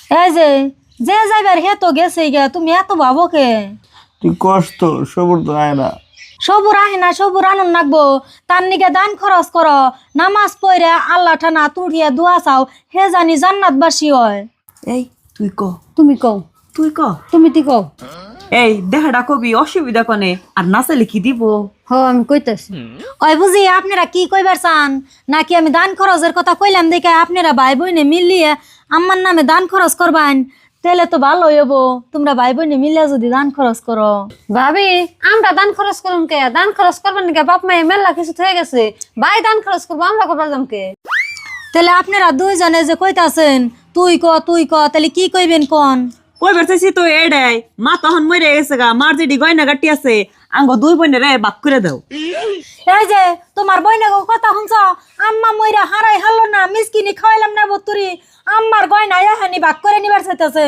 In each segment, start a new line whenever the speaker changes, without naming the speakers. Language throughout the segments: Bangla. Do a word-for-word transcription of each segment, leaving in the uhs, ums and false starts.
এই যে যে যাইবার হে তো গেছে গে, তুমি এত ভাবো কে?
তুই কষ্ট সবুর তো আয় না।
সবুর আহে না, সবুর আনন্দ নাকবো। তার নিকে দান খরচ করো, নামাজ পড়ে আল্লাহ ঠানা তুড়িয়া দোয়া চাও, হে জানি জান্নাতবাসী হয়।
এই তুই ক
তুমি কও,
তুই ক
তুমি তি কও।
এই দেখাটা কবি অসুবিধা কনে আর নাচালে কি দিব?
হ আমি কইতাছি।
ওই বুঝি আপনারা কি কইবার চান, নাকি আমি দান খরচের কথা কইলাম দেখে আপনারা ভাই বোনে মিলিয়ে আমার নামে দান খরচ করবেন? তাহলে তো ভালো হইব, তোমরা ভাই বোনে মিলিয়ে যদি দান খরচ করো।
ভাবি আমরা দান খরচ করুন কে? দান খরচ করবেন কে? বাপ মায়ে মেলা কিছু হয়ে গেছে, ভাই দান খরচ করবো, আমরা করবার যাম কে?
তাহলে আপনারা দুইজনে যে কইতাছেন তুই ক তুই ক, তাহলে কি কইবেন কোন?
কই বেরতেছি তো এডাই মা তখন মরে গেছে গা, মার যেটি গয়না গাটি আছে আঙ্গ দুই বোনের বাক করে দাও।
এই যে তোমার বইনে কথা শুনছ, আম্মা মইরা হারাই হারলো না, মিসকিনি খাওয়াইলাম না বতুরি, আম্মার গয়না এহানি ভাগ করে নিবার চাইতেছে।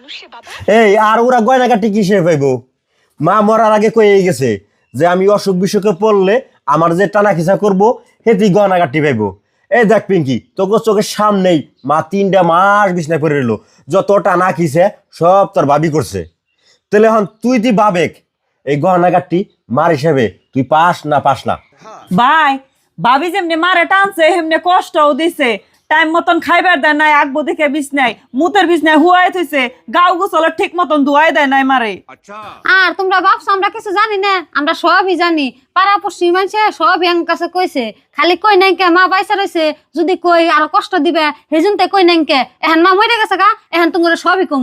এই আর ওরা গয়না কাটি কিসে পাইবো? মা মরার আগে কয়ে গেছে যে আমি অসুখ বিসুখে পড়লে আমার যে টানা খিসা করবো সেটি গয়না কাটি পাইবো। এই দেখ পিঙ্কি, তোকে চোখের সামনেই মা তিনটা মাস বিছনায় পড়ে রইলো, যত টানা খিসে সব তোর ভাবি করছে। তাহলে এখন তুই তুই বাবেক এই গয়না কাটি মার হিসাবে তুই পাস না পাস না?
ভাই ভাবি যেমনি মারে টানছে হেমনে কষ্টও দিছে, টাইম মতন খাইবার দেয় নাই, আগবো দেখে বিছনাই মুতের বিছনাই হুয়াই থইছে, গাও গোসলের ঠিক মতন ধুয়াই দেয় নাই মারে।
আর তোমরা ভাবছো আমরা কিছু জানি না? আমরা সবই জানি, পাড়া পড়শি মানুষে সবই আমার কাছে কইছে, খালি কই নাই কে মা বাইসা রয়েছে, যদি কই আরো কষ্ট দিবে হেজুনতে কই নাই কে, এখন মা মরে গেছে গা, এখন তোমার সবই কম।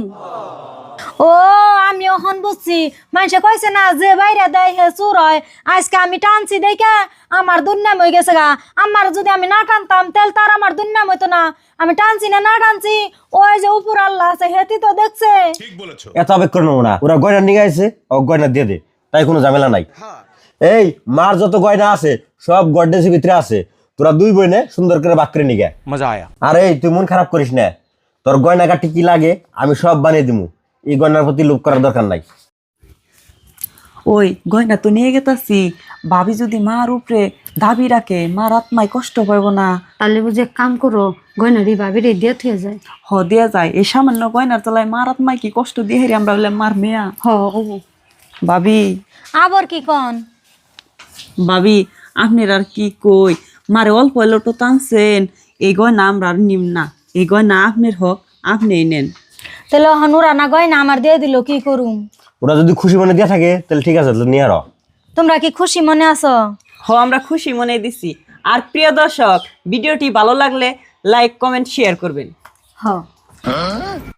ও আমি এখন বুঝছি, মানুষে কইছে না যে বাইরে দেয় হে চুর হয়, আজকে আমি টানছি দেখে আমার দুর্নাম হয়ে গেছে গা। আমার যদি আমি না টানতাম তাহলে তার আমার দুর্নাম হইতো না। আমি টানছি না না টানছি, ওই যে উপর আল্লাহ আছে হেতি তো দেখছে।
এত আবেগ করে নেবো না, ওরা গয়না নিয়ে গেছে, ও গয়না দিয়ে দে, তাই কোনো ঝামেলা নাই। এই মার যত গয়না আছে সব গডরেজের ভিতরে আছে, তোরা দুই বোনে সুন্দর করে বাক করে নিগে মজা আয়া। আর এই তুই মন খারাপ করিস না, তোর গয়না কাটি কি লাগে আমি সব বানিয়ে দিমু, এই গয়নার প্রতি লোভ করার দরকার নাই।
ওই গয়না তো নিয়ে গেতাছি, ভাবি যদি মার উপরে দাবি রাখে মার আত্মায় কষ্ট পাইব না?
তাহলে বুঝে এক কাম করো, গয়নারি ভাবিরে দিয়ে থুয়ে যায়।
হ দেয়া যায়, এই সামান্য গয়নার তলায় মার আত্মায় কি কষ্ট দিয়ে হেরি আমরা বলে মার মেয়া।
হ ও
ভাবি
আবার কি কন?
ভাবি আপনার আর কি কই, মারে অল্প এলো তো টানছেন, এই গয়না আমরা আর নিম না, এই গয়না আপনার হক, আপনিই নেন।
তাহলে এখন ওরা না গয়না আমার দিয়ে দিল, কি করুম?
ওরা যদি খুশি মনে দিয়ে থাকে তাহলে ঠিক আছে, তাহলে নিয়ে আরো।
তোমরা কি খুশি মনে আছো?
হ আমরা খুশি মনে দিছি। আর প্রিয় দর্শক, ভিডিওটি ভালো লাগলে লাইক কমেন্ট শেয়ার করবেন।
হ